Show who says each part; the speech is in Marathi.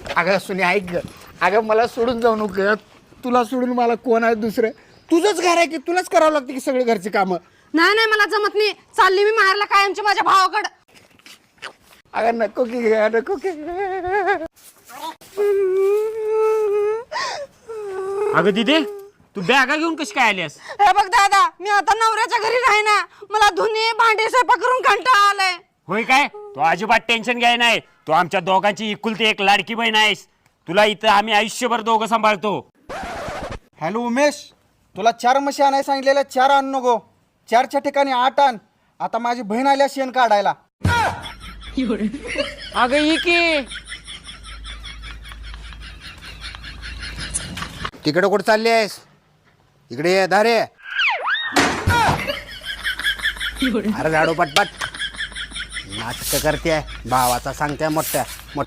Speaker 1: अगं सुने ऐक ग. अगं मला सोडून जाऊ नको. तुला सोडून मला कोण आहे दुसरं? तुझंच घर आहे की तुलाच करावं लागतं की सगळी घरची कामं.
Speaker 2: नाही नाही मला जमत नाही. चालली मी माहेरला कायमची माझ्या भावाकडं.
Speaker 1: अगं नको की नको की.
Speaker 3: अगं दिदे तू बॅगा घेऊन कशी काय आलीस?
Speaker 2: हे बघ दादा, मी आता नवऱ्याच्या घरी राही ना. मला धुनी भांडी स्वयंपाक करून कंटाळा आलाय.
Speaker 3: होय काय? तू अजिबात टेन्शन घ्याय नाही. तू आमच्या दोघांची इकुलती एक लाडकी बहीण आहेस. तुला इथं आम्ही आयुष्यभर दोघं सांभाळतो.
Speaker 4: हॅलो उमेश, तुला 4 म्हशी आणायला सांगितलेल्या 4 आण नको. 4च्या ठिकाणी 8 आण. आता माझी बहीण आल्या शेण काढायला.
Speaker 3: अगं ही की
Speaker 1: तिकडे कुठं चालली आहेस? इकडे ये धारे. अरे झाडू पटपट नाटक करते भावाचा सांगते मोठ्या.